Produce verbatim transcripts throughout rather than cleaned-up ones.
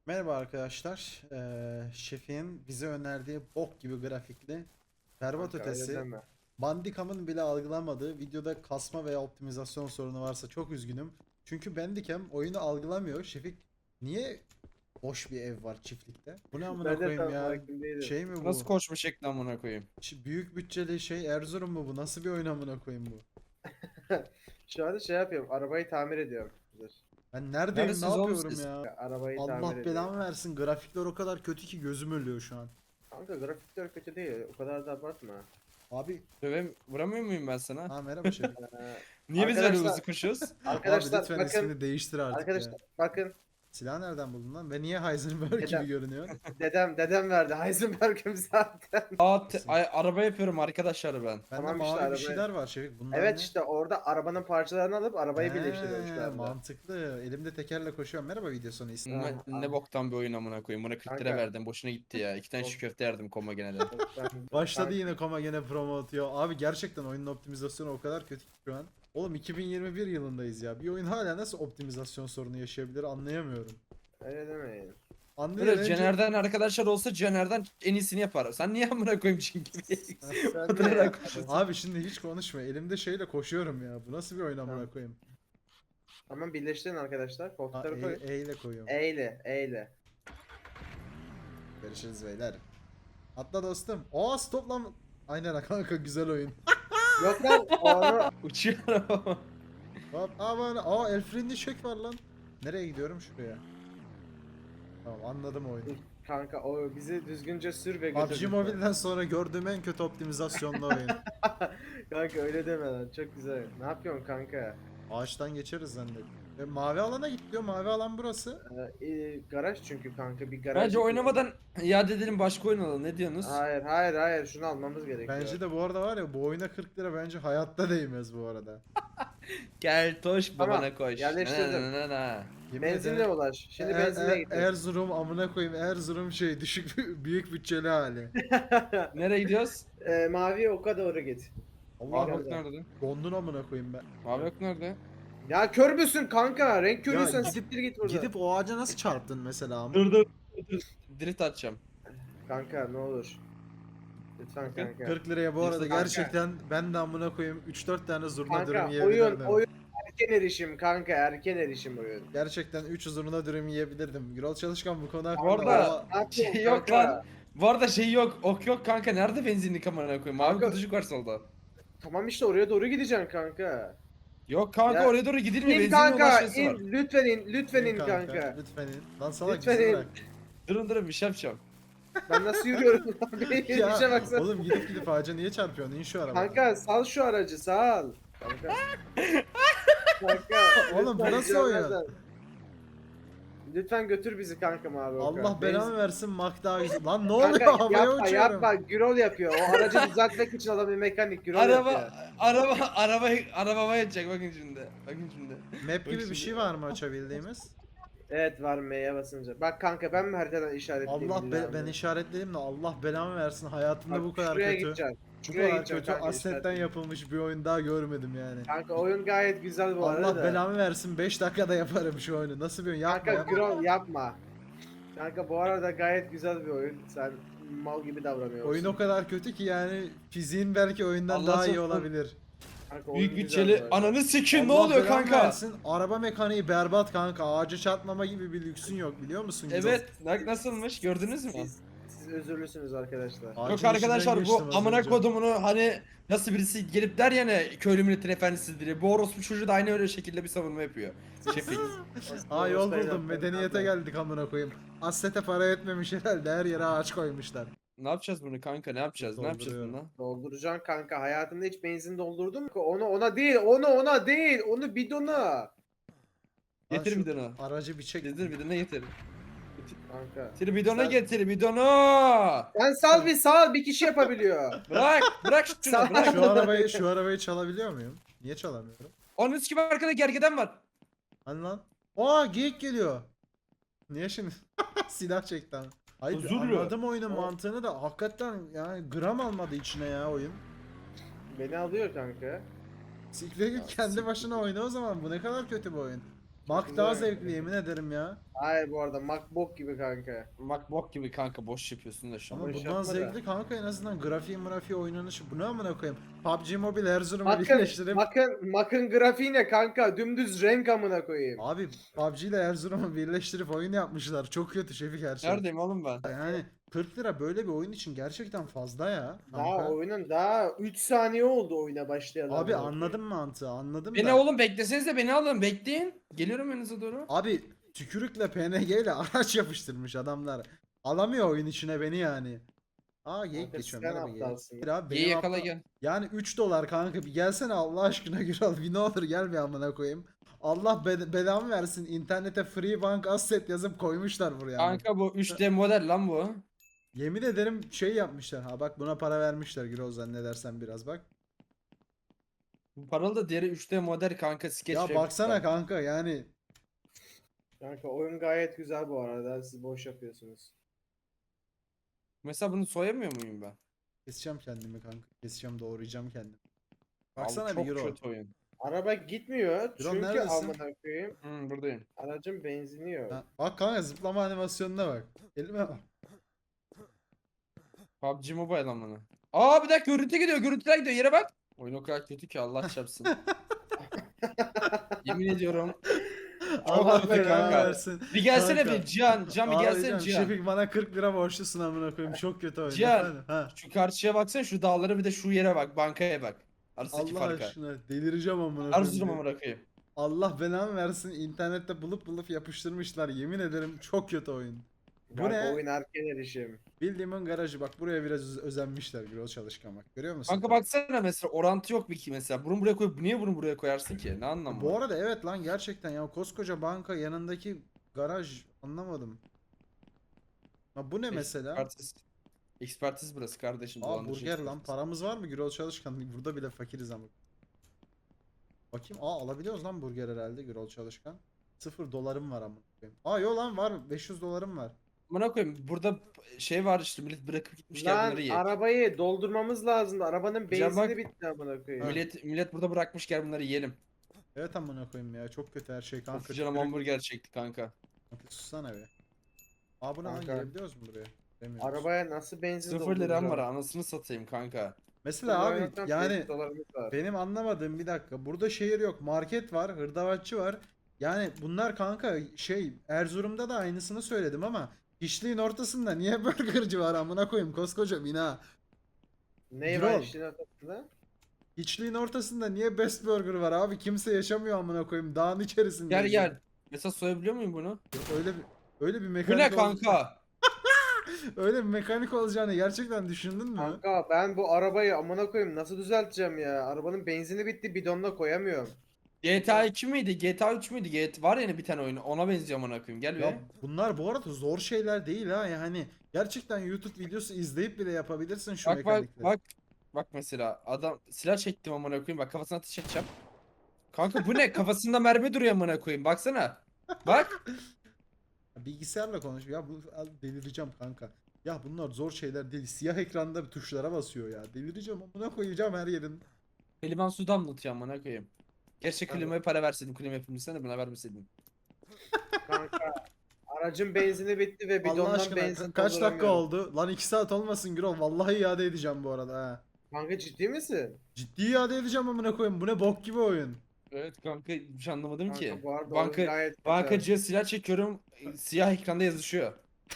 Merhaba arkadaşlar. Ee, Şefin bize önerdiği bok gibi grafikli, berbat Kanka öyle ötesi, deme. Bandicam'ın bile algılamadığı videoda kasma veya optimizasyon sorunu varsa çok üzgünüm. Çünkü Bandicam oyunu algılamıyor. Şefik, niye boş bir ev var çiftlikte? Bu ne amına Ben de koyayım tam ya? farkındaydım. Şey mi Nasıl bu? koşmuş ekran amına koyayım? Ş- Büyük bütçeli şey Erzurum mu bu? Nasıl bir oyun amına koyayım bu? Şu anda şey yapıyorum. Arabayı tamir ediyorum. Dur. Ben neredeyim, ne Neredesiniz oğlum yapıyorum siz? ya? Arabayı tamir Allah ediyorum. belamı versin. Grafikler o kadar kötü ki gözüm ölüyor şu an. Kanka grafikler kötü değil. O kadar da abartma. Abi, Dövem vuramıyor muyum ben sana? ha merhaba Şefik. Ee, Niye biz böyle arkadaşlar- hızlı koşuyoruz? Abi arkadaşlar lütfen bakın. ismini değiştir artık ya. Arkadaşlar bakın. Silah nereden buldun lan? Ve niye Heisenberg Neden? gibi görünüyor? Dedem dedem verdi. Heisenberg'im zaten. Aa, te- ay- araba yapıyorum arkadaşlar ben. Bende Tamam mavi işte, bir arabaya- şeyler var Şefik. Bunlar Evet ne? işte orada arabanın parçalarını alıp arabayı He, birleştiriyorum şu anda. mantıklı. Elimde tekerle koşuyorum. Merhaba video sonu isim. Ha, Ne, abi. ne boktan bir oyun amına koyayım. Buna kırk lira Kanka. verdim. Boşuna gitti ya. İki tane Of. şu köfte yerdim koma gene de. Ben- Başladı Kanka, yine koma gene promo atıyor. Abi gerçekten oyunun optimizasyonu o kadar kötü ki şu an. Oğlum iki bin yirmi bir yılındayız ya. Bir oyun hala nasıl optimizasyon sorunu yaşayabilir anlayamıyorum. Öyle demeyin. Anlıyorum. Böyle Cener'den arkadaşlar olsa Cener'den en iyisini yapar. Sen niye amına koyayım çünkü? Sen Oturarak de- koşuyorsun. Abi şimdi hiç konuşma. Elimde şeyle koşuyorum ya. Bu nasıl bir oyun amına Tamam. koyayım? Tamam birleştirin arkadaşlar. Ha, Koltukları koyun. E, E ile koyuyorum. Eyle eyle. Görüşürüz beyler. Atla dostum. Aa stop lan. Aynen kanka, güzel oyun. Yok lan onu Uçuyor araba. Hop aman, aa el frenli çek var lan. Nereye gidiyorum? Şuraya. Tamam, anladım oyunu. kanka o bizi düzgünce sür ve P U B G götür. Mobile'den sonra gördüğüm en kötü optimizasyonlu oyun. Kanka öyle deme lan çok güzel. Ne yapıyorsun kanka? Ağaçtan geçeriz zannettim. E, mavi alana git diyor. Mavi alan burası. Ee, e, garaj çünkü kanka bir garaj. Bence oynamadan iade edelim başka oyun alalım. Ne diyorsunuz? Hayır hayır hayır şunu almamız gerekiyor. Bence de bu arada var ya, bu oyuna kırk lira bence hayatta değmez bu arada. Gel toş Tamam, babana koş. yerleştirdim. Na, na, na, na. Yemin Benzinle ederim, ulaş. Şimdi Er- benzinle Er- git. Erzurum amına koyayım, Erzurum şey düşük büyük bütçeli hali. Nereye gidiyoruz? Ee, mavi oka doğru git. Mavi Allah, ok nerede? dondun amına koyayım ben. Mavi ok nerede? Ya kör müsün kanka? Renk körüysen gidip- siktir git buradan. Gidip o ağaca nasıl çarptın mesela ama? Dur dur. dur. Drift atacağım. Kanka ne olur. Lütfen kanka. kırk liraya bu arada Kanka. gerçekten ben de amına koyayım üç dört tane zurna Kanka dürüm oyun yiyebilirdim. oyun erken erişim kanka erken erişim oyun. Gerçekten üç zurna dürüm yiyebilirdim. Gürol Çalışkan bu konu Bu hakkında arada- ama- Ne yapıyorsun Şey yok kanka? lan. Bu arada şey yok. Ok yok kanka. Nerede benzinlik amına koyayım? Mavi Kanka- kutucuk var solda. Tamam işte oraya doğru gideceksin kanka. Yok kanka Ya- oraya doğru gidilmiyor. İn Benzinliğe kanka ulaşması in var. lütfen in lütfen in İn kanka. Lütfen in. Lan salak Lütfen bizi in. bırak. Durun durun bir şey yapacağım. Ben nasıl yürüyorum lan? Bir Ya, işe baksana. oğlum gidip gidip ağaca niye çarpıyorsun? İn şu arabadan. Kanka sal şu aracı sal. Kanka. Kanka. Oğlum, bu lütfen nasıl rica oyun? ederim. Lütfen götür bizi kanka abi. Allah belanı versin Makda. Lan ne Kanka oluyor, havaya yapma uçuyorum. yapma Gürol yapıyor. O aracı düzeltmek için adam bir mekanik Gürol Araba yapıyor. araba araba arabama yetecek bakın şimdi. Bakın şimdi. Map gibi bir şimdi. şey var mı açabildiğimiz? Evet var M'ye basınca. Bak kanka ben mi haritadan işaretleyeyim? Allah be, billahi? ben işaretledim de Allah belamı versin, hayatımda Bak, bu kadar şuraya kötü. gideceksin. Bu Şuraya kadar gideceksin kötü kanka, assetten işaretle. yapılmış bir oyun daha görmedim yani. Kanka oyun gayet güzel bu arada. Allah da. belamı versin, beş dakikada yaparım şu oyunu. Nasıl bir oyun? Yapma Kanka yapma. Gürol yapma. Kanka bu arada gayet güzel bir oyun. Sen mal gibi davranıyorsun. Oyun o kadar kötü ki yani fiziğin belki oyundan Allah daha iyi çok- olabilir. Kanka, Büyük oyun güzel bütçeli bu arada. ananı sikin ne Allah oluyor belamı kanka? versin, araba mekaniği berbat kanka. Ağaca çarpmama gibi bir lüksün yok, biliyor musun? Evet, bak nasılmış gördünüz mü? Siz, siz özürlüsünüz arkadaşlar. Ağacın Yok içinden arkadaşlar bu geçtim az amına önce. kodumunu hani nasıl birisi gelip der ya ne köylü milletin efendisidir diye. Bu orospu çocuğu da aynı öyle şekilde bir savunma yapıyor. Şefik. Aa, yol Orospu buldum, evlatları, medeniyete kanka. geldik amına koyayım. Assete para etmemiş herhalde, her yere ağaç koymuşlar. Ne yapacağız bunu kanka ne yapacağız ne yapacağız Dolduruyorum. bununla? Dolduracaksın kanka. Hayatında hiç benzin doldurdun mu? Onu ona değil, onu ona değil, onu bidona. Lan Getir şu bidonu. Aracı bir çek. Getir bidonu getir. Kanka. Getir bidonu Sen- getir bidonu. Sen sal bir sal bir kişi yapabiliyor. Bırak bırak şunu Sağ- bırak. Şu arabayı şu arabayı çalabiliyor muyum? Niye çalamıyorum? Onun üst gibi arkada gergeden var. Hani lan? Aa, geyik geliyor. Niye şimdi? Silah çekti ama. Hayır, Huzurlu. anladım oyunun O- mantığını da hakikaten yani gram almadı içine ya oyun. Beni alıyor kanka. Siktir git, Ya, kendi siktir başına oyna o zaman. Bu ne kadar kötü bir oyun. Mac güzel daha oyun. zevkli yemin ederim ya. Hayır bu arada MacBook gibi kanka. Makbok gibi kanka boş yapıyorsun da şu an. Ama Boş bundan yapma da. zevkli kanka en azından grafiği mırafiği oynanışı. Bu ne amına koyayım? P U B G Mobile Erzurum'u Bakın, birleştirip bakın, bakın grafiği ne kanka? Dümdüz renk amına koyayım. abi P U B G ile Erzurum'u birleştirip oyun yapmışlar. Çok kötü Şefik her şey. Neredeyim oğlum ben? Yani kırk lira böyle bir oyun için gerçekten fazla ya. Daha Kanka. oyunun daha üç saniye oldu oyuna başlayalı. Abi amına anladım mantığı anladım Beni da. oğlum beklesenize beni alın bekleyin. Geliyorum yanınıza doğru. Abi tükürükle P N G ile araç yapıştırmış adamlar. Alamıyor oyun içine beni yani. Aa geyik Kanka, geçiyorum. sen Merhaba geyik. aptalsın. Bir abi Ye benim yakala aptal- gel. Yani üç dolar kanka bir gelsene Allah aşkına Güral bir ne olur gel bir amına koyayım. Allah be belamı versin internete free bank asset yazıp koymuşlar buraya. ama. Kanka bu üç D model lan bu. Yemin ederim şey yapmışlar. Ha bak buna para vermişler Güral zannedersen biraz bak. Bu paralı da diğeri üç D model kanka skeç. Ya replika. baksana kanka yani. Kanka oyun gayet güzel bu arada. Siz boş yapıyorsunuz. Mesela bunu soyamıyor muyum ben? Keseceğim kendimi kanka. Keseceğim doğrayacağım kendimi. Abi Baksana çok bir Güral. kötü oyun. Araba gitmiyor Drone çünkü neredesin? amına koyayım. Hı, buradayım. Aracın benzini yok. Ha, bak kanka zıplama animasyonuna bak. Elime bak. P U B G Mobile amına. Aa bir dakika görüntü gidiyor görüntüler gidiyor yere bak. Oyun o kadar kötü ki Allah çarpsın. Yemin ediyorum. Allah kötü belanı kanka. versin. Bir gelsene Kanka. bir Cihan. Cihan bir Abi gelsene Can, Cihan. Şefik bana kırk lira borçlusun amına koyayım. Çok kötü oyun. Cihan. Efendim, ha. Şu karşıya baksana şu dağlara bir de şu yere bak bankaya bak. Arasındaki Allah farka. aşkına delireceğim amına koyayım. Erzurum'a mı bırakayım? Allah belanı versin. İnternette bulup bulup yapıştırmışlar. Yemin ederim çok kötü oyun. Bu Kanka ne? oyun erken erişim. Bildiğimin garajı bak buraya biraz öz- özenmişler Gürol Çalışkan bak. Görüyor musun? Kanka baksana mesela orantı yok bir ki mesela. Bunu buraya koyup niye bunu buraya koyarsın ki? Ne anlamı Bu var? arada evet lan gerçekten ya koskoca banka yanındaki garaj anlamadım. Ha bu ne mesela? Ekspertiz. Ekspertiz burası kardeşim. Aa dolandırıcı burger lan ekspertiz. paramız var mı Gürol Çalışkan? Burada bile fakiriz ama. Bakayım aa alabiliyoruz lan burger herhalde Gürol Çalışkan. Sıfır dolarım var ama. Aa yo lan var beş yüz dolarım var. Amına koyayım burada şey var işte millet bırakıp gitmişler Lan bunları ye. arabayı doldurmamız lazımdı. Arabanın Hocam benzini bak- bitti amına koyayım. Millet millet burada bırakmış gel bunları yiyelim. Evet amına koyayım ya çok kötü her şey kanka. Of canım Tükürük- hamburger çekti kanka. Kanka sussana be. Aa bu ne lan Kanka. girebiliyoruz mu buraya? Giremiyoruz. Arabaya nasıl benzin Sıfır dolduracağım? liram var anasını satayım kanka. Mesela abi Zaten yani beş dolarımız var. benim anlamadığım bir dakika. Burada şehir yok. Market var. Hırdavatçı var. Yani bunlar kanka şey Erzurum'da da aynısını söyledim ama hiçliğin ortasında niye burgerci var amına koyayım koskoca bina. Ne Drone. var işin ortasında? Hiçliğin ortasında niye Best Burger var abi? Kimse yaşamıyor amına koyayım. Dağın içerisinde. Gel gel. Mesela soyabiliyor muyum bunu? Öyle bir öyle bir Bu mekanik ne ol- kanka? öyle bir mekanik olacağını gerçekten düşündün mü? Kanka ben bu arabayı amına koyayım nasıl düzelteceğim ya? Arabanın benzini bitti bidonla koyamıyorum. G T A iki miydi? G T A üç müydü? G T A var yani bir tane oyunu. Ona benziyor amına koyayım. Gel Ya be. bunlar bu arada zor şeyler değil ha yani gerçekten YouTube videosu izleyip bile yapabilirsin şu Bak bak mekanikleri. bak. Bak mesela adam silah çektim amına koyayım. Bak kafasına ateş edeceğim. Kanka bu ne? Kafasında mermi duruyor amına koyayım. Baksana. Bak. Bilgisayarla konuş ya bu al, delireceğim kanka. Ya bunlar zor şeyler değil. Siyah ekranda tuşlara basıyor ya. Delireceğim amına koyacağım her yerin. Kliman su damlatıyor amına koyayım. Keşke Kanka. klimaya para verseydim. Klima yapımcısına da buna vermeseydim. Kanka aracın benzini bitti ve Allah bidondan aşkına benzin ka- kaç dakika dolduramıyorum. oldu? Lan iki saat olmasın Gürol. Vallahi iade edeceğim bu arada ha. Kanka ciddi misin? Ciddi iade edeceğim amına koyayım. Bu ne bok gibi oyun. Evet kanka hiç anlamadım Kanka ki. bu arada Banka, oyun gayet güzel. bankacıya silah çekiyorum. e, Siyah ekranda yazışıyor.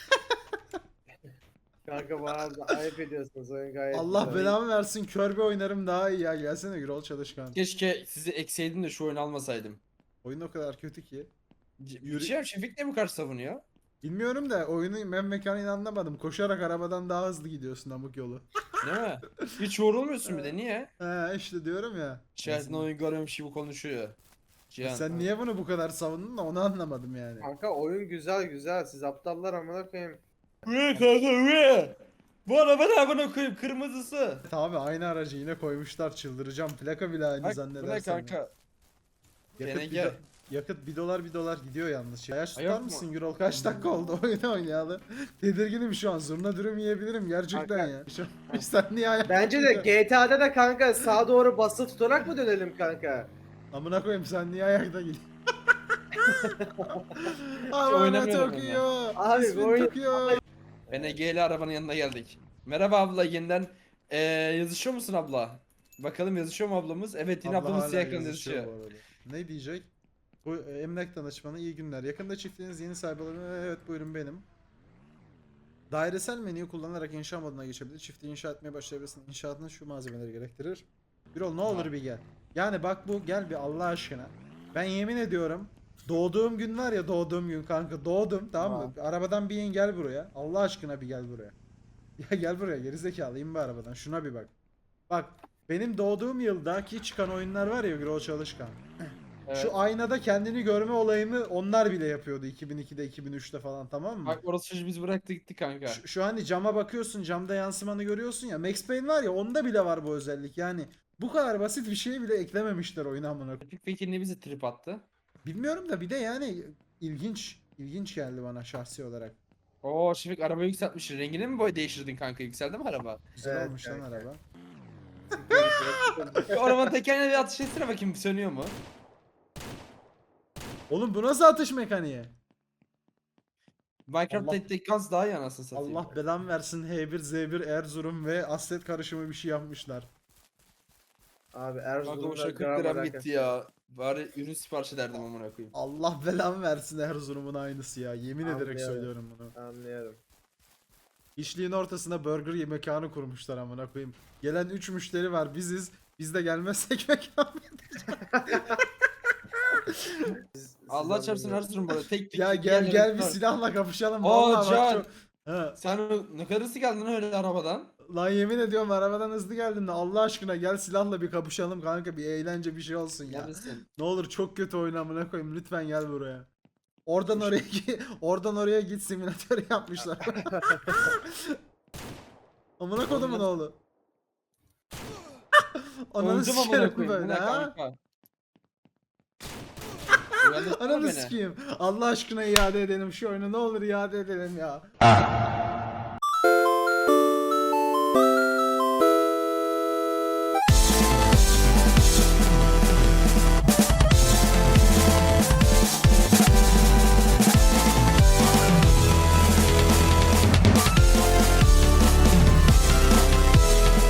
Kanka bu arada ayıp ediyorsunuz oyun gayet Allah güzel. belamı versin. Kör bir oynarım daha iyi ya. Gelsene Gürol Çalışkan. Keşke sizi ekseydim de şu oyunu almasaydım. Oyun o kadar kötü ki. C- Yürü- Şey, Şefik de mi karşı savunuyor? Bilmiyorum da oyunu ben mekaniğini anlamadım. Koşarak arabadan daha hızlı gidiyorsun amık yolu. Değil mi? Hiç yorulmuyorsun bir de niye? He işte diyorum ya. Şahit'in oyun görüyormuş gibi konuşuyor. Cihan. Sen niye bunu bu kadar savundun da onu anlamadım yani. Kanka oyun güzel güzel. Siz aptallar amına koyayım. Uye kanka uye. Bu araba ne amına koyayım kırmızısı. Abi aynı aracı yine koymuşlar çıldıracağım. Plaka bile aynı Bak bu ne zannedersen. ya. kanka? Yakıt G N bir, G. do- yakıt bir dolar bir dolar gidiyor yalnız. Şey. Yaş Ay, tutar yok mu? mısın Gürol? Kaç dakika oldu oyunu oynayalı? Tedirginim şu an. Zurna dürüm yiyebilirim gerçekten Kanka. ya. Şu, sen niye ayak Bence de G T A'da da kanka sağa doğru basılı tutarak mı dönelim kanka? Amına koyayım sen niye ayakta gidiyorsun? Amına oynamıyorum Tokyo. Abi, İsmin bu oyun- Tokyo. Ben Ege'li arabanın yanına geldik. Merhaba abla yeniden eee, yazışıyor musun abla? Bakalım yazışıyor mu ablamız? Evet yine Abla ablamız hala siyah ekran yazışıyor yazışıyor. bu arada. Ne diyecek? Bu e, emlak danışmanı iyi günler. Yakında çiftliğiniz yeni sahibi olabilir. Evet buyurun benim. Dairesel menüyü kullanarak inşa moduna geçebilir. Çiftliği inşa etmeye başlayabilirsin. İnşaatın şu malzemeleri gerektirir. Bir ol ne olur Ha. bir gel. Yani bak bu gel bir Allah aşkına. Ben yemin ediyorum doğduğum gün var ya doğduğum gün kanka doğdum tamam mı? Arabadan bir in gel buraya. Allah aşkına bir gel buraya. Ya gel buraya gerizekalı in bir arabadan. Şuna bir bak. Bak benim doğduğum yıldaki çıkan oyunlar var ya Gürol Çalışkan. Evet. Şu aynada kendini görme olayını onlar bile yapıyordu iki bin ikide iki bin üçte falan tamam mı? Bak orası çocuğu biz bıraktı gitti kanka. Şu, şu hani cama bakıyorsun camda yansımanı görüyorsun ya Max Payne var ya onda bile var bu özellik yani bu kadar basit bir şeyi bile eklememişler oyuna amına. Epic peki ne bizi trip attı? Bilmiyorum da bir de yani ilginç ilginç geldi bana şahsi olarak. Oo Şefik arabayı yükseltmiş. Rengini mi boy değiştirdin kanka? Yükseldi mi araba? Güzel Evet, olmuş lan kanka. araba. Bir arabanın tekerine bir atış etsene bakayım sönüyor mu? Oğlum bu nasıl atış mekaniği? Minecraft'ta Allah- ettik gaz daha iyi anasını satayım. Allah belan versin H bir Z bir Erzurum ve Asset karışımı bir şey yapmışlar. Abi Kanka Erzurum'da boşa kırk gram liram alakası gitti yok. ya. Bari ürün sipariş ederdim amına koyayım. Allah belan versin Erzurum'un aynısı ya. Yemin ederek Anlıyorum. söylüyorum bunu. Anlıyorum. İşliğin ortasına burger ye- mekanı kurmuşlar amına koyayım. Gelen üç müşteri var biziz. Biz de gelmezsek mekan. Siz- Allah siz çarpsın anlıyorum. Erzurum böyle tek tek. Ya tek gel yerlere gel bir var. silahla kapışalım. Aa, Vallahi bak Can. çok... Ha. Sen ne kadar hızlı geldin lan öyle arabadan? Lan yemin ediyorum arabadan hızlı geldim de Allah aşkına gel silahla bir kapışalım kanka bir eğlence bir şey olsun ya. Neredesin? Ne olur çok kötü oyun amına koyayım lütfen gel buraya. Oradan oraya gi- oradan oraya git simülatör yapmışlar. Amına kodumun oğlu. Ananı Öldüm amına sikerim koyayım. Bu böyle ne ha. kanka? Uyandırsana Ananı beni. sikeyim. Allah aşkına iade edelim şu oyunu ne olur iade edelim ya.